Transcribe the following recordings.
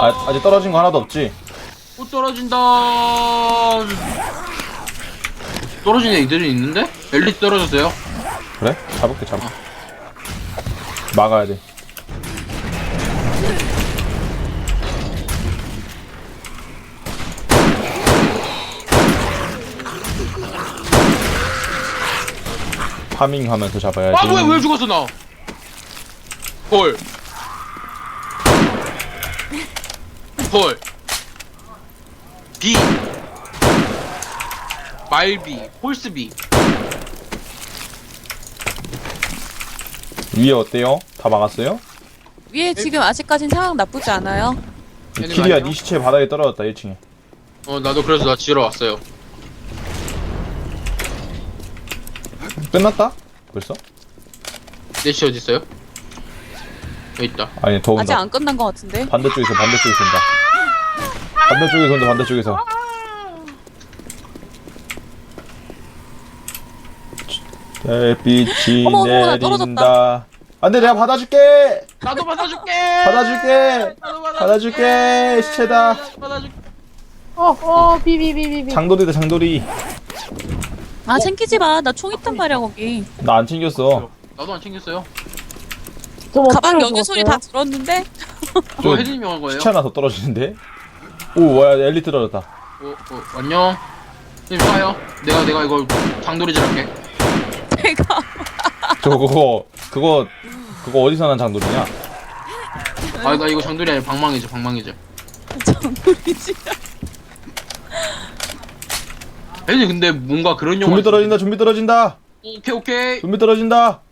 아직 떨어진 거 하나도 없지? 못 떨어진다. 떨어진 애들이 있는데? 엘리트 떨어졌어요. 그래? 잡을게. 막아야 돼. 파밍하면서 잡아야지. 아 뭐야 왜 죽었어 나? 헐. 비 말비 홀스비. 위에 어때요? 다 막았어요? 위에 지금 아직까진 상황 나쁘지 않아요. 키리야 네 시체 바닥에 떨어졌다 1층에. 나도 그래서 나 지러 왔어요. 끝났다? 벌써? 내시 어디 있어요? 여기 있다. 아니 더 아직 온다. 안 끝난 것 같은데. 반대쪽에서 온다. 반대쪽에서. 햇빛이 어머, 나 내린다. 떨어졌다. 안돼 내가 받아줄게. 나도 받아줄게. 받아줄게. 받아줄게. 시체다. 받아줄게. 비비비비비. 장돌이다 장돌이. 아 챙기지 마. 나 총 있단 말이야 거기. 나 안 챙겼어. 나도 안 챙겼어요. 가방 여기 소리 다 들었는데. 그거 혜진님이 한 거예요? 시체 하나 더 떨어지는데? 오 와 엘리트 떨어졌다. 안녕. 님 쏴요. 내가 이거 장돌이질 할게. 내가 그거 어디서 난 장돌이냐? 나 이거 장돌이 아니라 방망이죠. 장돌이지. 혜진이 근데 뭔가 그런 영화. 좀비 떨어진다. 오케이. 좀비 떨어진다.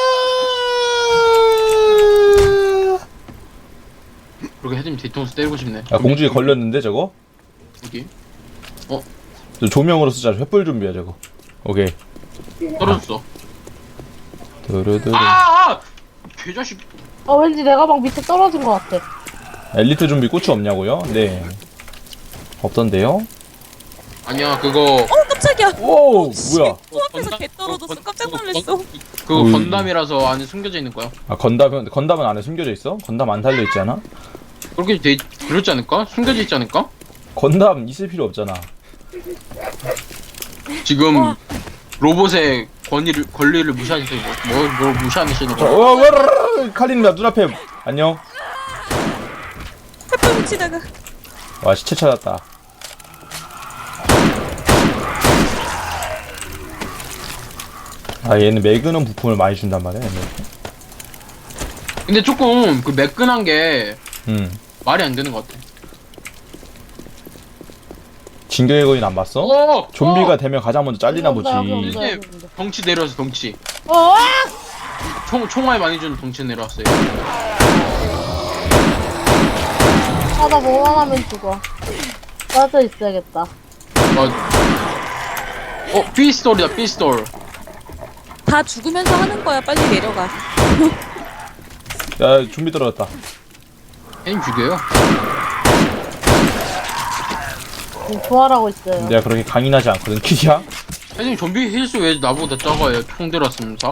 그렇게 혜진이 뒤통수 때리고 싶네. 야 공중에 걸렸는데 저거? 여기 저 조명으로 쓰자. 횃불 좀비야 저거. 오케이. 떨어졌어. 두루두루. 개자식. 왠지 내 가방 밑에 떨어진 것 같아. 엘리트 좀비 꽃이 없냐고요? 네. 없던데요? 아니야 그거 깜짝이야. 오 뭐야? 코앞에서 개 떨어졌어. 깜짝 놀랐어. 그거 어이. 건담이라서 안에 숨겨져 있는 거야. 아 건담은 안에 숨겨져 있어? 건담 안 달려 있지 않아? 그렇게 그렇지 않을까? 숨겨져 있지 않을까? 건담 있을 필요 없잖아. 지금 로봇의 권리를 무시하시는 거. 뭘 무시하시는 자, 거? 칼리님 눈앞에 안녕. 햇볕 묻히다가. 와 시체 찾았다. 아 얘는 매그넘 부품을 많이 준단 말이야. 얘는. 근데 조금 그 매끈한 게 말이 안 되는 것 같아. 진격의 거인 안 봤어? 좀비가 되면 가장 먼저 잘리나 보지. 이제 덩치 내려왔어 덩치. 어! 총알 많이 주는 덩치 내려왔어요. 나 뭐만 하면 죽어. 빠져 있어야겠다. 피스톨이다 피스톨. 다 죽으면서 하는 거야. 빨리 내려가. 야 좀비 떨어졌다. 애님 죽여요. 부활하고 있어요. 내가 그렇게 강인하지 않거든 키야. 애님 좀비 힐수 왜 나보다 작아요? 총 들었으면서.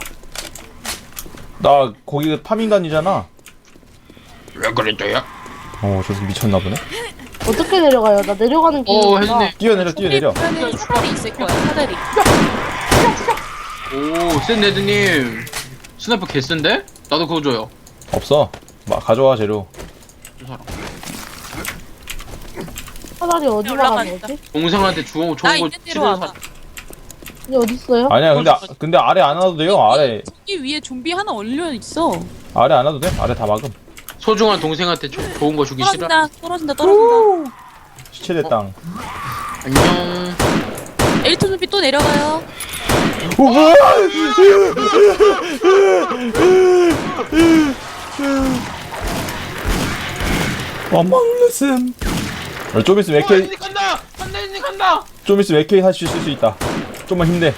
나 거기 파밍단이잖아. 왜 그랬어요? 저서 미쳤나 보네. 어떻게 내려가요? 나 내려가는 길이. 혜진님. 뛰어내려. 그러면 사다리 있을 거야. 사다리. 센 레드님 스나이퍼 개센데? 나도 그거 줘요. 없어. 가져와 재료. 저 사람. 사다리 어디 나가는 올라가니까. 거지? 동생한테 좋은 나 거 있는 대로 치료해 와봐. 이게 어딨어요? 아니야 근데 아래 안 와도 돼요. 이 위에 좀비 하나 올려 있어. 아래 안 와도 돼. 아래 다 막음. 소중한 동생한테 좋은 거 주기 싫어. 떨어진다. 시체대 땅. 안녕. 엘리트 좀비 또 내려가요. 오 뭐야? 원망르슴. 좀 있으면 AK 혜진이 간다. 혜진이 간다. 좀 있으면 AK 다시 쓸 수 있다. 좀만 힘내.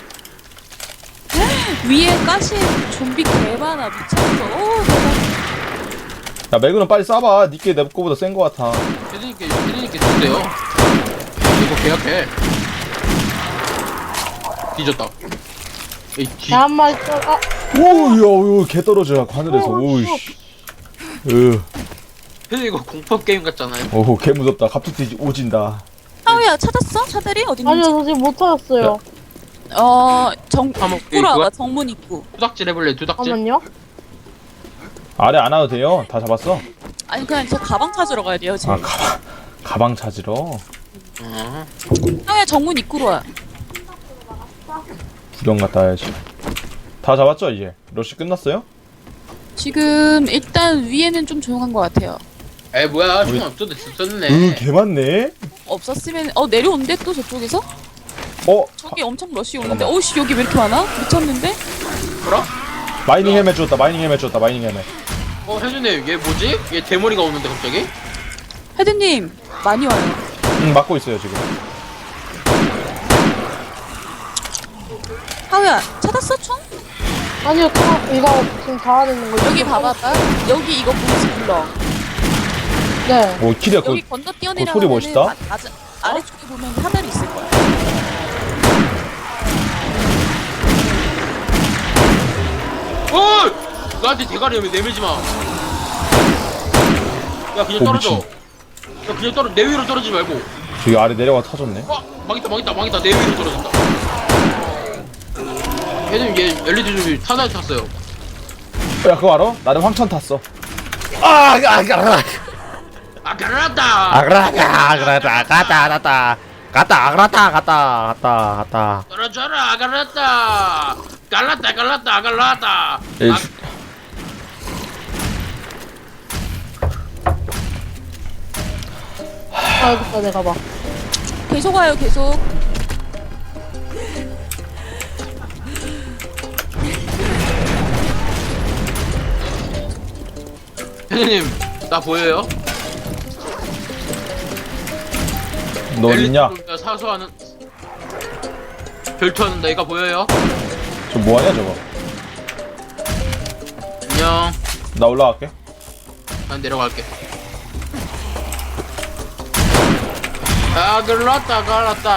위에 가시 좀비 개 많아. 미쳤어. 오 대박. 야 매그넘 빨리 쏴봐. 니께 내 거보다 센 거 같아. 혜진이께 준대요. 이거 계약해. 뒤졌다. 에이 한 마리 또, 오야 개 떨어져 하늘에서. 오이씨. 근데 이거 공포 게임 같잖아요. 오, 개 무섭다. 갑툭튀 오진다. 하우야 찾았어? 차들이 어디 아니요, 있는지? 저 지금 못 찾았어요. 한번 입구로 와봐. 정문 입구. 두닥질 해볼래? 두닥질. 잠깐만요. 아래 안 와도 돼요. 다 잡았어. 아니 그냥 저 가방 찾으러 가야 돼요 지금. 아, 가방 찾으러. 어. 하우야 정문 입구로 와. 구경 갔다 와야지. 다 잡았죠 이제? 러시 끝났어요? 지금 일단 위에는 좀 조용한 것 같아요. 에 뭐야? 우리- 총 없어도 있었네. 개 많네. 없었으면 내려온대 또 저쪽에서? 저기 엄청 러시 오는데 오씨 여기 왜 이렇게 많아? 미쳤는데? 뭐라? 마이닝 헬멧 줬다. 마이닝 헬멧 줬다. 마이닝 헬멧. 혜준님 얘 뭐지? 얘 대머리가 오는데 갑자기? 헤드님 많이 와요. 막고 있어요 지금. 하우야 찾았어 총? 아니요, 또 이거 지금 자아내는 거. 여기 봐봐. 여기 이거 보이지 불러. 네. 오, 키리야 여기 그 건너 소리 뛰어내려가면 멋있다. 아래쪽에 보면 하늘이 있을 거야. 어! 나한테 대가리 내밀지 마. 야 그냥 떨어져. 미친. 야 그냥 내 위로 떨어지지 말고. 저기 아래 내려가 터졌네. 망했다. 내 위로 떨어진다. 혜준님 얘 LED 좀비 타다에 탔어요. 야 그거 알아? 나는 황천 탔어. 아그라다 아 갈라다. 갔다. 떨어져라 갈랐다. 갈랐다. 알겠다, 내가 봐. 계속 와요 계속. 혜준님 나 보여요? 너 어딨냐? 엘리트 사수하는 결투하는 내가 보여요? 저 뭐하냐 저거? 안녕. 나 올라갈게. 난 내려갈게. 아 갈랐다.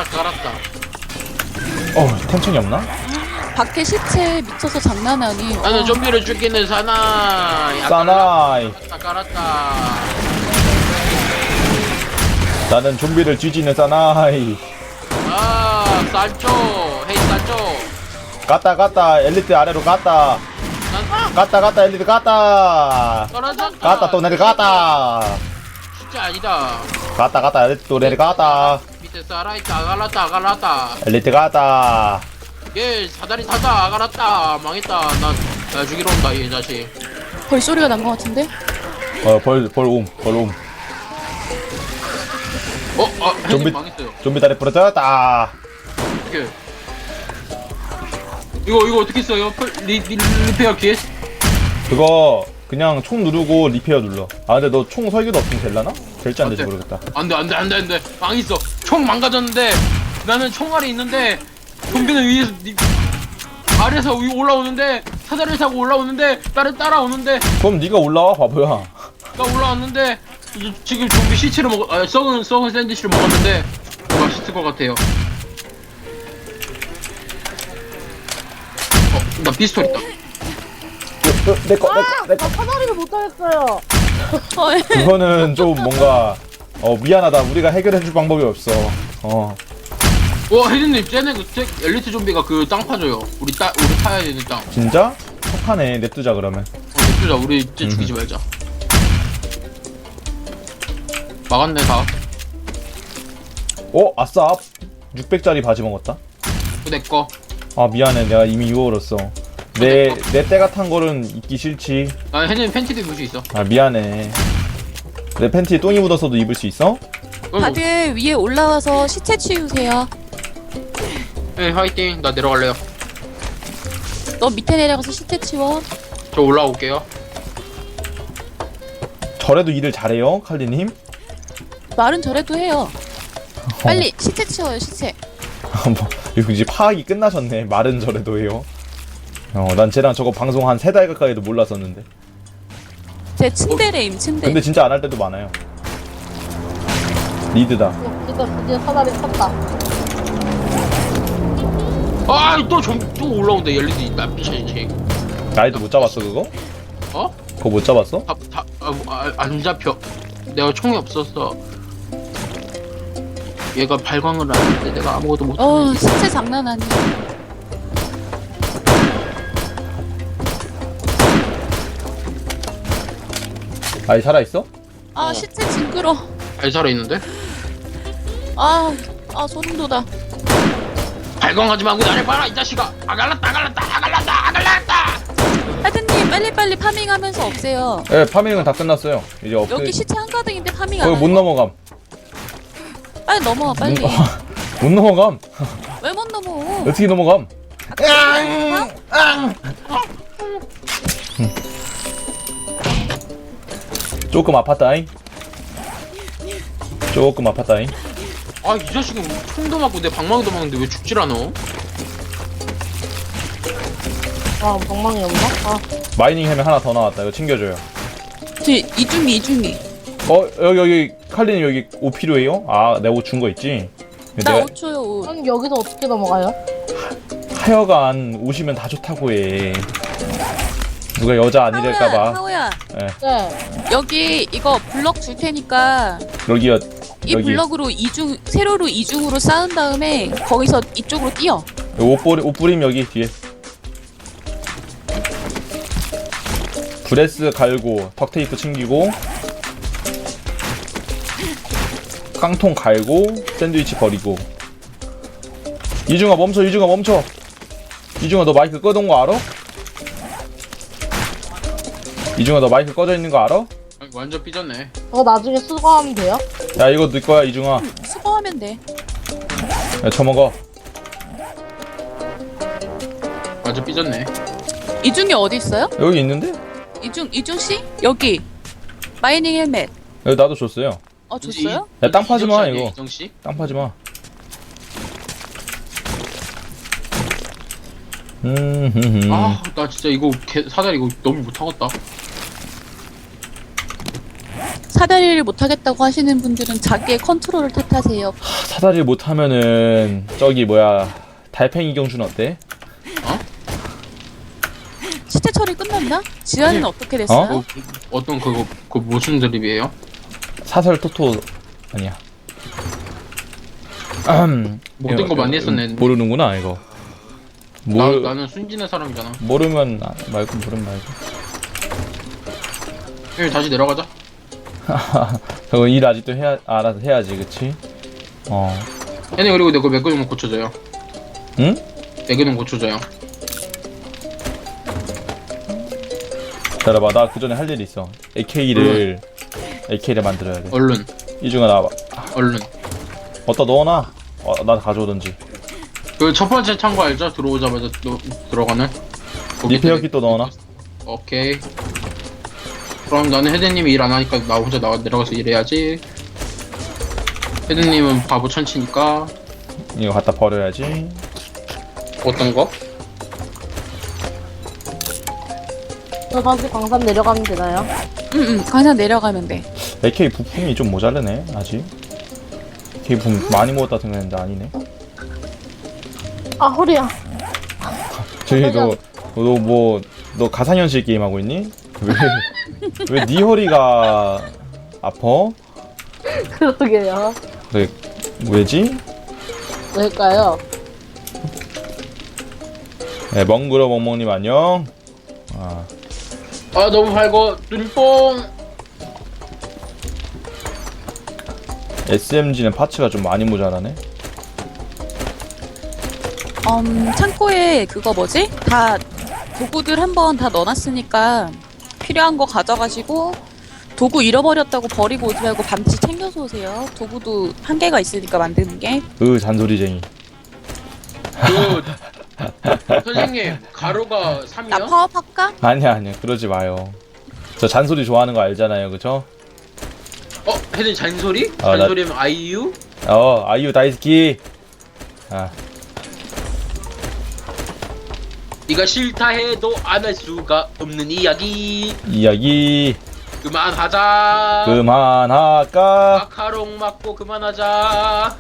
텐션이 없나? 밖에 시체 미쳐서 장난 아니. 나는 좀비를 죽이는 사나이. 아, 사나이. 갈랐다. 나는 좀비를 뒤지는 사나이. 아 산초. 헤이 산초. 갔다 엘리트 아래로 갔다 엘리트 갔다 떨어졌다. 또 내려갔다 진짜 아니다. 갔다 엘리트 또 내려갔다 밑에 살아있다. 갈랐다. 엘리트 갔다. 얘 사다리 타다. 갈랐다. 망했다. 나 죽이러 온다 이 자식. 벌 소리가 난 것 같은데? 벌옴 혜준님 좀비- 망했어요. 좀비 다리 부러졌다. 어떻게? 이거 어떻게 써요? 리페어 킷? 그거 그냥 총 누르고 리페어 눌러. 아 근데 너 총 설계도 없으면 될라나? 될지 안 될지 안 돼. 모르겠다. 안돼. 망했어. 총 망가졌는데 나는 총알이 있는데 좀비는 위에서 아래에서 위 올라오는데 사다리를 타고 올라오는데 나를 따라오는데 그럼 네가 올라와 바보야. 나 올라왔는데 지금 좀비 시체를 썩은 샌드위치를 먹었는데 맛있을 것 같아요. 나 피스톨 있다. 내거 나 사다리를 못 타겠어요. 그거는 좀 뭔가 미안하다. 우리가 해결해줄 방법이 없어. 와 혜진님 쟤네 엘리트 좀비가 그 땅 파줘요. 우리 타야 되는 땅. 진짜? 착하네. 냅두자 그러면. 냅두자. 우리 쟤 죽이지 말자. 막았네 다. 아싸. 600짜리 바지 먹었다. 내꺼. 아 미안해. 내가 이미 유월었어. 내 때가 탄 거는 입기 싫지. 아 혜진님 팬티도 입을 수 있어. 아 미안해. 내 팬티에 똥이 묻어서도 입을 수 있어? 다들 위에 올라와서 시체 치우세요. 네 화이팅. 나 내려갈래요. 너 밑에 내려가서 시체 치워. 저 올라올게요. 저래도 일을 잘해요, 칼리님. 말은 저래도 해요. 빨리 시체 치워요 시체. 뭐, 이거 이제 파악이 끝나셨네. 말은 저래도 해요. 난 쟤랑 저거 방송 한 3달 가까이도 몰랐었는데. 제 침대래임 침대. 근데 진짜 안 할 때도 많아요. 리드다. 진짜 드디어 사다리 탔다. 또 올라온다. 엘리트 있다. 미친이. 나이도 못 잡았어 그거? 어? 그거 못 잡았어? 안 잡혀. 내가 총이 없었어. 얘가 발광을 안 했는데 내가 아무것도 못하네. 시체 장난 아니야. 아이 살아있어? 시체 징그러. 잘 살아있는데? 소름 돋아. 발광하지 말고 나를 봐라 이 자식아. 아갈랐다. 하드님 빨리빨리 파밍하면서 없애요. 예, 파밍은 다 끝났어요. 이제 여기 시체 한가득인데 파밍 안 거기 해. 못 넘어감. 빨리 넘어와 빨리. 못 넘어감. 왜 못 넘어? 어떻게 넘어감? 조금 아팠다잉. 조금 아팠다잉. 아 이 자식은 총도 맞고 내 방망이도 맞는데 왜 죽질 않아? 아, 방망이 없나? 마이닝 햄이 하나 더 나왔다. 이거 챙겨줘요. 이중이. 여기 칼리님 여기 옷 필요해요? 내가 옷 준 거 있지? 나 내가 5초요 옷. 아니, 여기서 어떻게 넘어가요? 하여간 오시면 다 좋다고 해. 누가 여자 아니랄까봐. 하우야 네. 여기 이거 블럭 줄 테니까 여기요. 이 여기. 블럭으로 세로로 이중으로 쌓은 다음에 거기서 이쪽으로 뛰어. 옷 뿌림 여기 뒤에. 브레스 갈고 턱 테이프 챙기고 깡통 갈고 샌드위치 버리고. 이중아 멈춰. 이중아 너 마이크 꺼둔 거 알아? 이중아 너 마이크 꺼져 있는 거 알아? 아니, 완전 삐졌네. 저거 나중에 수거하면 돼요? 야 이거 네 거야 이중아. 수거하면 돼. 야 처먹어. 완전 삐졌네. 이중이 어디 있어요? 여기 있는데? 이중 씨? 여기 마이닝 헬멧. 여기 나도 줬어요. 줬어요? 야, 땅 파지 마, 이거. 이정씨? 땅 파지 마. 나 진짜 이거 사다리 이거 너무 못하겠다. 사다리를 못하겠다고 하시는 분들은 자기의 컨트롤을 탓하세요. 사다리 못하면은 저기 뭐야 달팽이 경준 어때? 시체 처리 끝났나? 지안이는 어떻게 됐어요? 어떤 그거 무슨 드립이에요? 사설 토토 아니야. 모든 거 많이 했었네. 모르는구나 이거. 나는 순진한 사람이잖아. 모르면 말고 모르면 말고. 형 다시 내려가자. 그거 일 아직도 알아서 해야지, 그치? 얘네 그리고 내거 몇 개 좀 고쳐줘요. 응? 4개 좀 고쳐줘요. 기다려봐, 나 그 전에 할 일이 있어. AK를 만들어야 돼. 얼른 이중아 나와봐. 얼른. 어디다 넣어놔. 나 가져오던지. 그 첫 번째 창고 알죠? 들어오자마자 들어가는. 리페어 kit도 넣어놔. 오케이. 그럼 나는 헤드님이 일 안 하니까 나 혼자 내려가서 일해야지. 헤드님은 바보 천치니까. 이거 갖다 버려야지. 어떤 거? 저 다시 광산 내려가면 되나요? 응, 강산 내려가면 돼. AK 부품이 좀 모자르네 아직. AK 부품 많이 먹었다 생각했는데 아니네. 허리야. 저기 너 가상현실 게임 하고 있니? 왜 네 허리가 아파? 그러게요. 왜지? 왜일까요? 네, 멍그러 멍멍님 안녕. 너무 밝어. 눈뽕. SMG는 파츠가 좀 많이 모자라네. 창고에 그거 뭐지? 다 도구들 한번 다 넣어놨으니까 필요한 거 가져가시고 도구 잃어버렸다고 버리고 오지 말고 반드시 챙겨서 오세요. 도구도 한계가 있으니까 만드는 게. 잔소리쟁이. 선생님 가루가 3이요? 나 파업할까? 아니야 그러지 마요. 저 잔소리 좋아하는 거 알잖아요, 그쵸? 헤드 잔소리? 나- 잔소리면 아이유? 아이유 다이스키. 네가 싫다 해도 안 할 수가 없는 이야기. 그만하자. 그만할까? 마카롱 맞고 그만하자.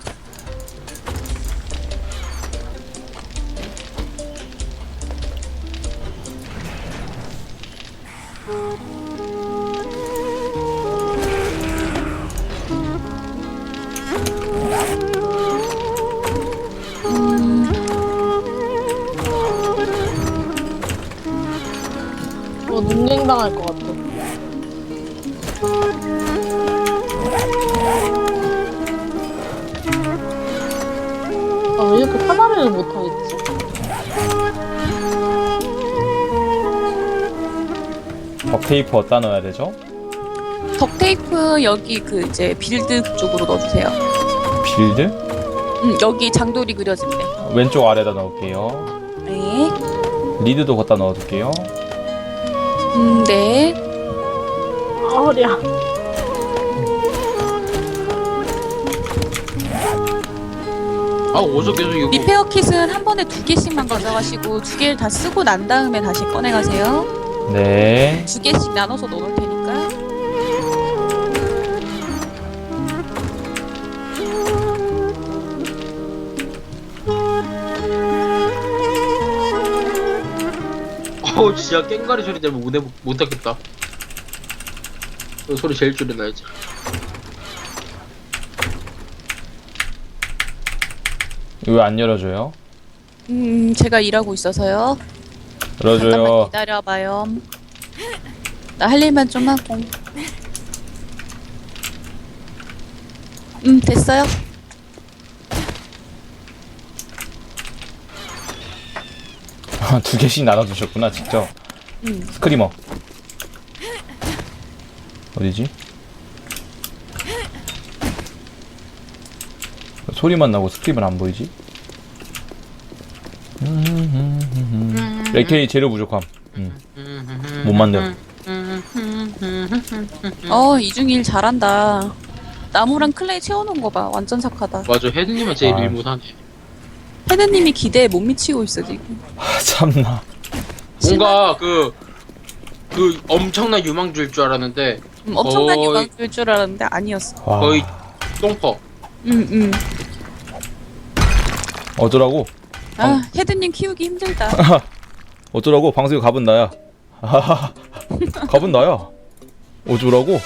어떡하겠지? 덕테이프 어디다 넣어야 되죠? 덕테이프 여기 그 이제 빌드 그쪽으로 넣어주세요. 빌드? 여기 장돌이 그려진대. 왼쪽 아래다 넣을게요. 네. 리드도 갖다 넣어둘게요. 네. 아, 허리야. 아 어서 계속 이거 리페어 킷은 한 번에 2개씩만 가져가시고 2개를 다 쓰고 난 다음에 다시 꺼내가세요. 네. 2개씩 나눠서 넣을 테니까. 진짜 깽가리 소리 때문에 못 하겠다. 그 소리 제일 줄여놔야지. 왜 안 열어줘요? 제가 일하고 있어서요. 열어줘요. 잠깐만 기다려봐요. 나 할 일만 좀 하고. 됐어요. 두 개씩 나눠주셨구나 직접. 스크리머 어디지? 소리만 나고 스크리머는 안 보이지? AK 재료 부족함. 못 만들어. 이중일 잘한다. 나무랑 클레이 채워놓은 거 봐. 완전 착하다. 맞아, 헤드님은 제일 아. 일 못하네. 헤드님이 기대에 못 미치고 있어 지금. 참나. 뭔가 그 엄청난 유망주일 줄 알았는데 엄청난 거의- 유망주일 줄 알았는데 아니었어. 와. 거의 똥퍼. 어쩌라고? 헤드님 키우기 힘들다. 어쩌라고? 방송에 갑은 나야. 갑은 나야. 어쩌라고?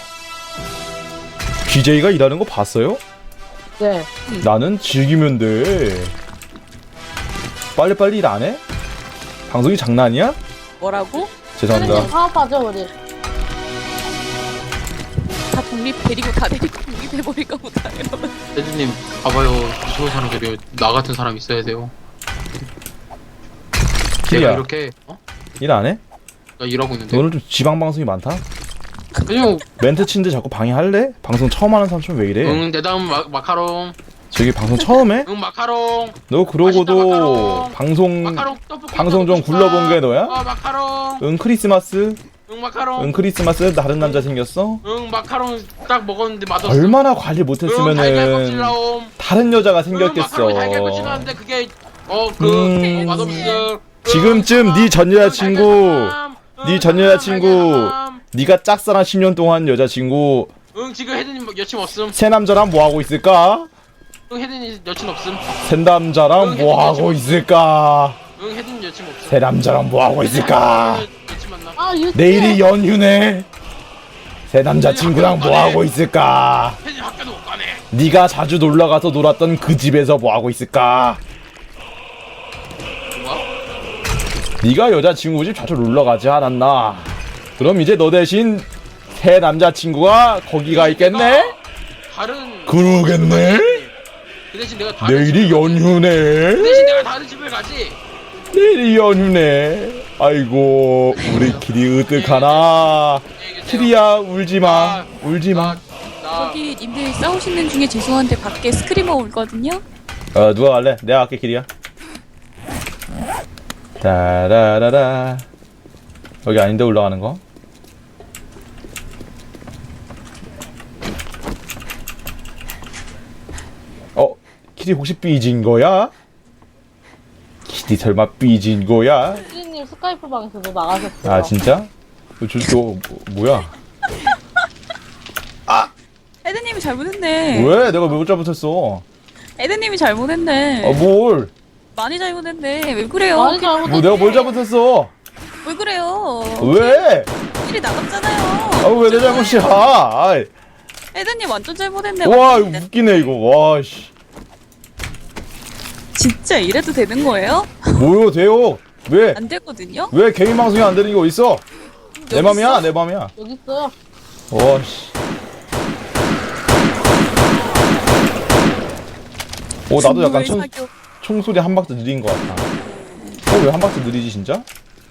BJ가 일하는 거 봤어요? 네. 나는 즐기면 돼. 빨리빨리 일 안 해? 방송이 장난이야? 뭐라고? 죄송합니다. 선생님 사업하죠, 우리. 다 데리고 독립해버릴까 보다. 이러면. 헤드님 봐봐요. 무서운 사람들이 나 같은 사람 있어야 돼요. 제가 키리야. 이렇게 일 안 해? 나 일하고 있는데 오늘 좀 지방 방송이 많다? 그냥 멘트 치는데 자꾸 방해할래? 방송 처음 하는 사람처럼 왜 이래? 응 내 다음 마카롱 저기 방송 처음 해? 응 마카롱 너 그러고도 맛있다, 마카롱. 방송 마카롱 떡볶이 방송 좀 먹고 싶어. 굴러본 게 너야? 마카롱 응 크리스마스? 응 마카롱 응 크리스마스 다른 남자 생겼어? 응 마카롱 딱 먹었는데 맛없어. 얼마나 관리 응 달걀 껍질 못했으면은 나옴. 다른 여자가 응 마카롱 달걀 껍질 생겼겠어. 나왔는데 그게 맛없어. 지금쯤 네 전 여자친구 네 전 여자친구 네가 짝사랑 10년 동안 여자친구 응 지금 헤드님 여친 없음. 새 남자랑 뭐 하고 있을까? 응 헤드님 여친 없음. 새 남자랑 뭐 하고 있을까? 응 헤드님 여친 없음. 새 남자랑 뭐 하고 있을까? 여친 만나. 아, 유튜브. 내일이 연휴네. 새 남자친구랑 뭐 하고 있을까? 헤드님 학교도 못 가네. 네가 자주 놀러가서 놀았던 그 집에서 뭐 하고 있을까? 뭐가? 네가 여자친구 집 자주 놀러가지 않았나? 그럼 이제 너 대신 새 남자친구가 거기가 있겠네? 다른 그러겠네? 그 대신 내가 다른 내일이 집을 가지. 그 연휴네. 대신 내가 다른 집을 가지. 내일이 연휴네. 아이고 우리끼리 으뜩하나. 키리야 울지마. 울지마. 나 저기 님들 싸우시는 중에 죄송한데 밖에 스크리머 울거든요. 누가 갈래? 내가 갈게 키리야. 따라라라. 여기 아닌데 올라가는 거? 키리 혹시 삐진 거야? 키리 설마 삐진 거야? 수진님 스카이프 방에서도 나가셨어요. 아 진짜? 뭐야? 헤드님이 잘못했네. 왜? 내가 왜 잘못했어? 헤드님이 잘못했네. 뭘? 많이 잘못했네. 왜 그래요? 많이 잘못했지. 뭐 내가 뭘 잘못했어? 왜 그래요? 왜? 일이 나갔잖아요. 왜 내 잘못이야? 아이. 헤드님 완전 잘못했네. 와 완전 이거 웃기네 이거. 와 씨. 진짜 이래도 되는 거예요? 뭐요 돼요? 왜? 안 되거든요. 왜 개인 방송이 안 되는 게 어딨어? 내 여기 맘이야 있어? 내 맘이야. 여기 있어요. 와 씨. 나도 약간 중도의 사교. 총소리 한 박자 느린 것 같아. 왜 한 박자 느리지 진짜?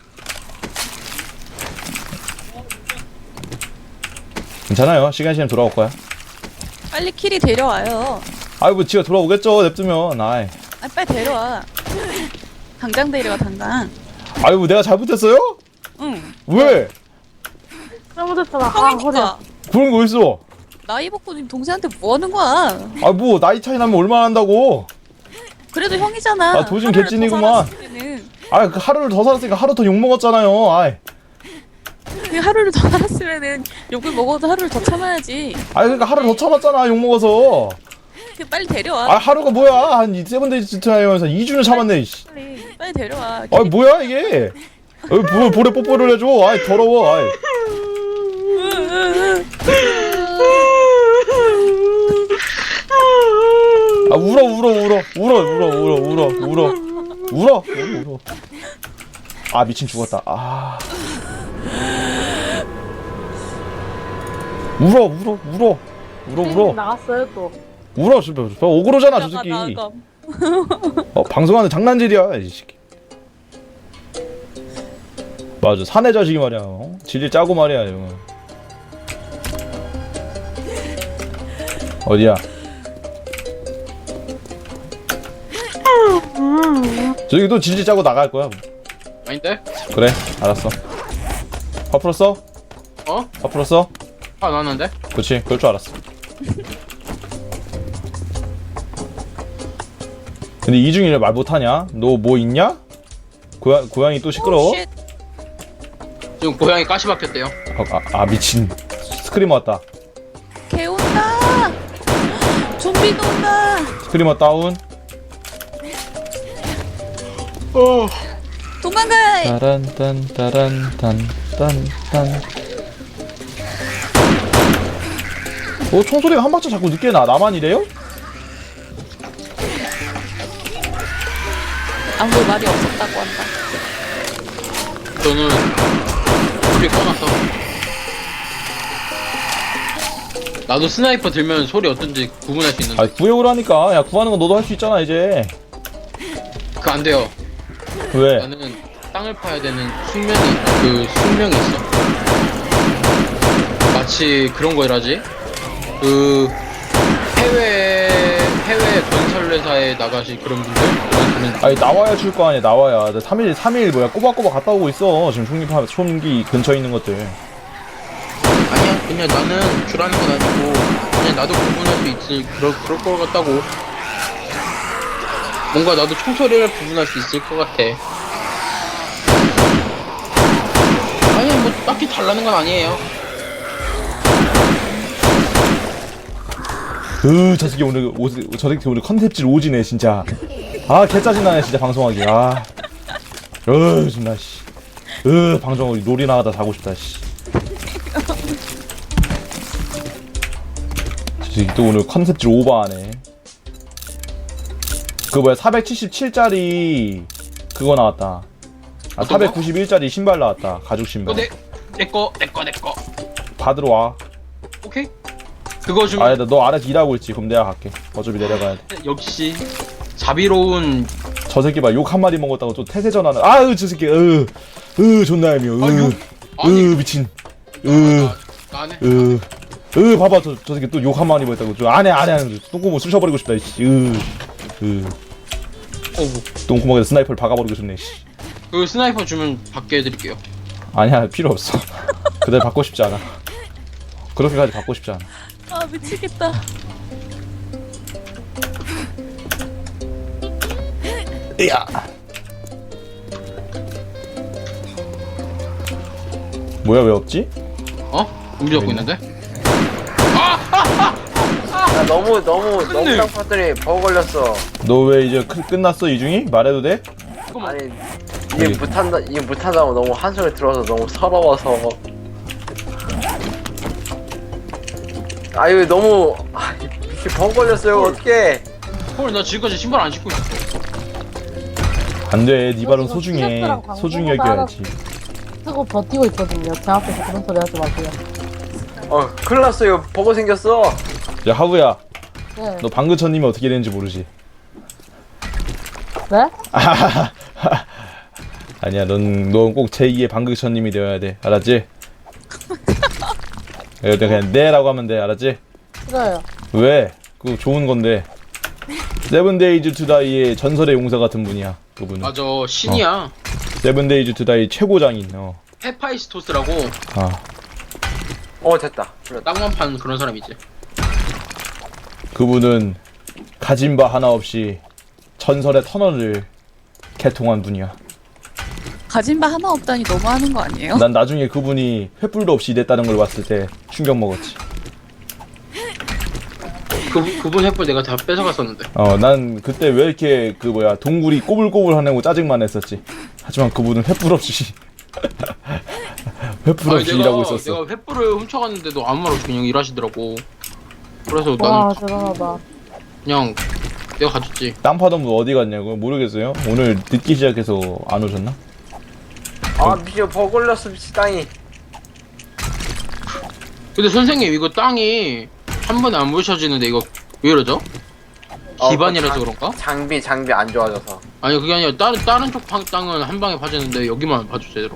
괜찮아요. 시간 돌아올 거야. 빨리 키리 데려와요. 아이 뭐 지가 돌아오겠죠. 냅두면. 아이. 아, 빨리 데려와. 당장 데려와, 당장. 아이 뭐 내가 잘못했어요? 응. 왜? 잘못했잖아. 아, 허리야. 형이니까. 그런 거 있어. 나이 먹고 지금 동생한테 뭐 하는 거야? 아 뭐 나이 차이 나면 얼마나 한다고. 그래도 형이잖아. 아, 도진 하루를 개찐이구만. 더 살았으면은. 아 그 하루를 더 살았으니까 하루 더 욕먹었잖아요. 아이. 그 하루를 더 살았으면은 욕을 먹어도 하루를 더 참아야지. 아이 그러니까 하루를 더 참았잖아. 욕먹어서. 그 빨리 데려와. 아 하루가 뭐야. 한 세븐데이즈 트라이면서 2주를 참았네. 씨. 빨리 데려와. 아 뭐야 이게. 뭐 볼에 뽀뽀를 해줘. 아이 더러워. 아이. 아 울어. 아 미친 죽었다. 아 울어. 나갔어요 또. 울어. 저 오그로잖아 저 새끼. 나가. 방송하는 장난질이야 이 새끼. 맞아 사내 자식이 말이야. 질질 짜고 말이야 이거. 어디야? 저기 또 질질 짜고 나갈 거야. 아닌데? 그래 알았어. 화 풀었어? 어? 화 풀었어? 아 나왔는데? 그렇지 그럴 줄 알았어. 근데 이중이를 말 못하냐? 너 뭐 있냐? 고양이 또 시끄러워? 오, 쉣. 지금 고양이 가시 박혔대요. 미친. 스크리머 왔다. 개 온다. 좀비도 온다. 스크리머 다운. 도망가. 따란딴. 총소리가 한 박자 자꾸 늦게 나. 나만 이래요? 아무 말이 없었다고 한다. 저는 소리 꺼놨어. 나도 스나이퍼 들면 소리 어떤지 구분할 수 있는데 구역을 하니까. 야, 구하는 거 너도 할 수 있잖아, 이제. 그거 안 돼요. 왜? 나는 땅을 파야 되는 숙명이 있어. 마치 그런 거라지. 해외 건설 회사에 나가실 그런 분들. 아니, 나와야 줄 거 아니야, 나와야. 3일 뭐야, 꼬박꼬박 갔다 오고 있어. 지금 총기 근처에 있는 것들. 아니야, 그냥 나는 주라는 건 아니고 그냥 나도 구분할 수 있을 그럴 것 같다고. 뭔가 나도 총소리를 구분할 수 있을 것 같아. 아니 뭐 딱히 달라는 건 아니에요. 저 새끼 오늘 컨셉질 오지네, 진짜. 개 짜증나네, 진짜, 방송하기. 존나, 씨. 방송, 놀이 나가다 자고 싶다, 씨. 저 새끼 또 오늘 컨셉질 오버하네. 그 뭐야, 477짜리, 그거 나왔다. 491짜리 신발 나왔다, 가죽 신발. 내꺼. 받으러 와. 오케이. 그거 주면 너 아래서 일하고 있지. 그럼 내가 갈게. 어차피 내려가야 돼. 역시 자비로운. 저 새끼 봐, 욕 한 마리 먹었다고 또 태세 전환을. 저 새끼, 존나 얄미워. 아니. 미친. 나네. 봐봐, 저 새끼 또 욕 한 마리 먹었다고. 안 해. 똥구멍 쑤셔버리고 싶다, 이씨. 똥구멍에다 스나이퍼를 박아버리고 싶네, 씨. 그 스나이퍼 주면 받게 해드릴게요. 아니야, 필요 없어. 그대로 받고 싶지 않아. 그렇게까지 받고 싶지 않아. 미치겠다. 야. 뭐야, 왜 없지? 준비 잡고 있는데? 야, 너무 땅파들이 버거 걸렸어. 너 왜 이제 끝났어, 이중이? 말해도 돼? 아니 이게 못한다고 너무 한숨을 들어서 너무 서러워서. 아유 너무 이렇게 버거 걸렸어요. 어떡해. 헐, 나 지금까지 신발 안 신고 있어. 안 돼, 네 발은 지금 소중해. 티셔츠랑 소중히 광고가 여겨야지. 쓰고 버티고 있거든요. 제 앞에서 그런 소리 하지 마세요. 큰일 났어요. 버거 생겼어. 야, 하부야. 네. 너 방금천님이 어떻게 되는지 모르지? 네? 아니야, 넌 꼭 제2의 방극천님이 되어야 돼. 알았지? 그냥 네라고 하면 돼. 알았지? 싫어요. 왜? 그거 좋은 건데. 세븐데이즈 투다이의 전설의 용사 같은 분이야. 그분은. 맞아 신이야. 세븐데이즈 투다이 최고장인. 헤파이스토스라고 아, 됐다. 땅만 파는 그런 사람이지. 그분은 가진 바 하나 없이 전설의 터널을 개통한 분이야. 가진 바 하나 없다니 너무하는 거 아니에요? 난 나중에 그분이 횃불도 없이 이랬다는 걸 봤을 때 충격 먹었지. 그분 햇불 내가 다 뺏어갔었는데. 난 그때 왜 이렇게 동굴이 꼬불꼬불 하냐고 짜증만 했었지. 하지만 그분은 횃불 없이 횃불 없이 일하고 있었어. 내가 횃불을 훔쳐갔는데도 아무 말 없이 그냥 일하시더라고. 그래서 와, 난 대단하다. 그냥 내가 가졌지. 땅 파던 분 어디 갔냐고? 모르겠어요. 오늘 늦기 시작해서 안 오셨나? 미쳐 버그 걸렸어 미치 땅이. 근데 선생님 이거 땅이 한 번에 안 부셔지는데 이거 왜 이러죠? 기반이라서 그런가? 장비 안 좋아져서. 아니 그게 아니라 다른 쪽 땅은 한 방에 파지는데 여기만 파져 제대로.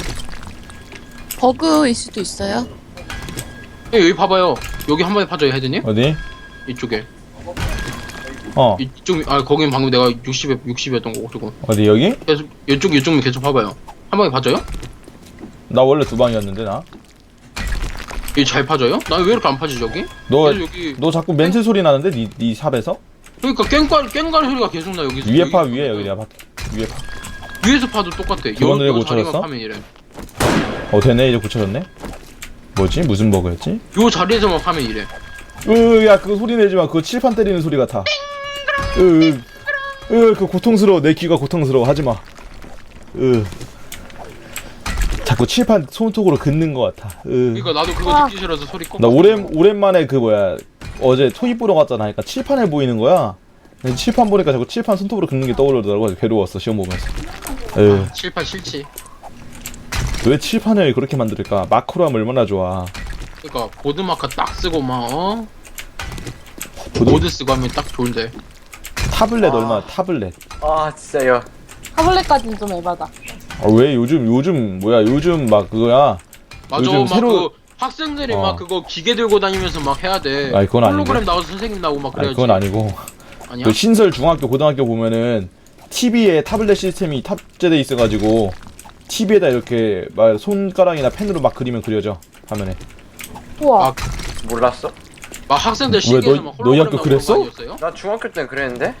버그일 수도 있어요. 여기 봐봐요. 여기 한 번에 파져요 헤드님? 어디? 이쪽에. 어. 이쪽 거긴 방금 내가 60이었던 거고 지금. 어디 여기? 계속 이쪽만 계속 봐봐요. 한 방에 파져요? 나 원래 두 방이었는데 나. 이게 잘 파져요? 나 왜 이렇게 안 파지지 여기? 너 계속 여기 너 자꾸 멘트 소리 나는데 네 삽에서? 그러니까 깽갈 소리가 계속 나 여기서. 위에 파 위에 여기 내가 봤. 위에 파. 위에서 파도 똑같아. 그건 왜 못 자리만 찾았어? 파면 이래. 되네 이제 고쳐졌네. 뭐지? 무슨 버그였지? 요 자리에서만 파면 이래. 야 그거 소리 내지 마. 그거 칠판 때리는 소리 같아. 그 고통스러워. 내 귀가 고통스러워. 하지 마. 자꾸 칠판 손톱으로 긋는 것 같아. 그러니까 나도 그거 듣기 싫어서 소리 꼭. 나 오랜만에 어제 토익 보러 갔잖아. 그러니까 칠판에 보이는 거야. 근데 칠판 보니까 자꾸 칠판 손톱으로 긋는 게 떠오르더라고. 그래서 괴로웠어 시험 보면서. 칠판 싫지. 왜 칠판을 그렇게 만들까? 마크로 하면 얼마나 좋아. 그러니까 보드마커 딱 쓰고 막 보드 쓰고 하면 딱 좋은데. 타블렛 얼마나 타블렛. 진짜요. 타블렛까지는 좀 에바다. 왜 요즘 막 그거야. 맞아. 요즘 막 새로- 그 학생들이 막 그거 기계 들고 다니면서 막 해야 돼. 아니, 그건 아닌데. 홀로그램 나와서 선생님 나오고 막 아니 그래야지. 그건 아니고. 아니야? 그 신설 중학교 고등학교 보면은 TV에 타블렛 시스템이 탑재돼 있어가지고 TV에다 이렇게 막 손가락이나 펜으로 막 그리면 그려져 화면에. 우와. 아, 몰랐어? 막 학생들 왜, 시계에서 너- 막 너희 홀로그램 학교 나오고 그랬어? 그런 거 아니었어요? 나 중학교 때는 그랬는데.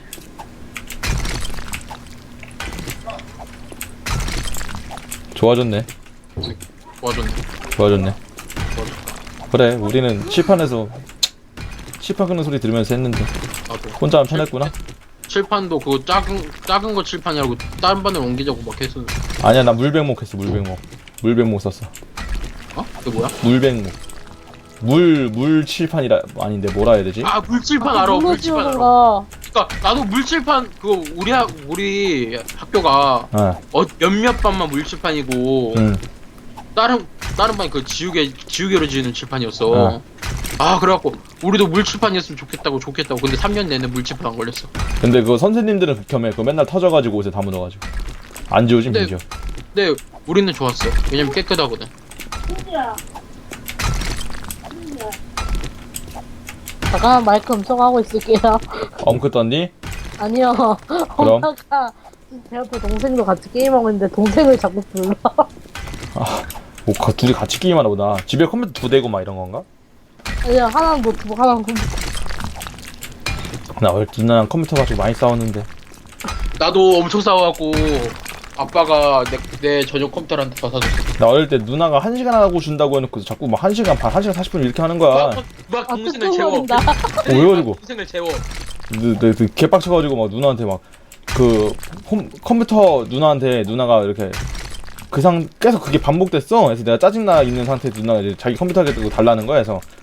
좋아졌네. 좋아졌네. 좋아졌네. 좋아졌다. 그래 우리는 칠판에서 칠판 끄는 소리 들으면서 했는데 나도. 혼자 하면 편했구나. 칠판도 그거 작은 거 칠판이라고 다른 반으로 옮기자고 막 했어. 아니야 나 물백목 했어. 물백목 썼어. 그게 뭐야? 물백목. 물 칠판이라 아닌데 뭐라 해야 되지? 아 물칠판 알아. 물로 물칠판 씌우는 알아. 거. 그러니까 나도 물칠판 그거 우리 학교가 몇몇 반만 물칠판이고 다른 반이 그 지우개로 지우는 칠판이었어. 그래갖고 우리도 물칠판이었으면 좋겠다고 근데 3년 내내 물칠판 안 걸렸어. 근데 그거 선생님들은 극혐해. 그거 맨날 터져가지고 옷에 다 묻어가지고 안 지워지 네. 민지어. 근데 우리는 좋았어. 왜냐면 깨끗하거든. 잠깐 마이크 음성하고 있을게요. 엉크 떴니? 아니요. 그럼? 엄마가 제 옆에 동생도 같이 게임하고 있는데 동생을 자꾸 불러. 둘이 같이 게임하나 보다. 집에 컴퓨터 2대고 막 이런 건가? 아니요, 하나는 노트북, 하나는 컴퓨터. 나 원래 누나랑 컴퓨터 가지고 많이 싸웠는데. 나도 엄청 싸워갖고 아빠가 내 전용 컴퓨터를 한테 받아줬어. 나 어릴 때 누나가 1시간 하고 준다고 해놓고 자꾸 막 1시간 반, 1시간 40분 이렇게 하는 거야. 막 동생을 채워. 뚝뚝거린다. 왜 가지고? 동생을 채워. 개빡쳐가지고 막 누나한테 막 컴퓨터 누나가 이렇게 계속 그게 반복됐어. 그래서 내가 짜증나 있는 상태에 누나가 이제 자기 컴퓨터에 달라는 거야. 그래서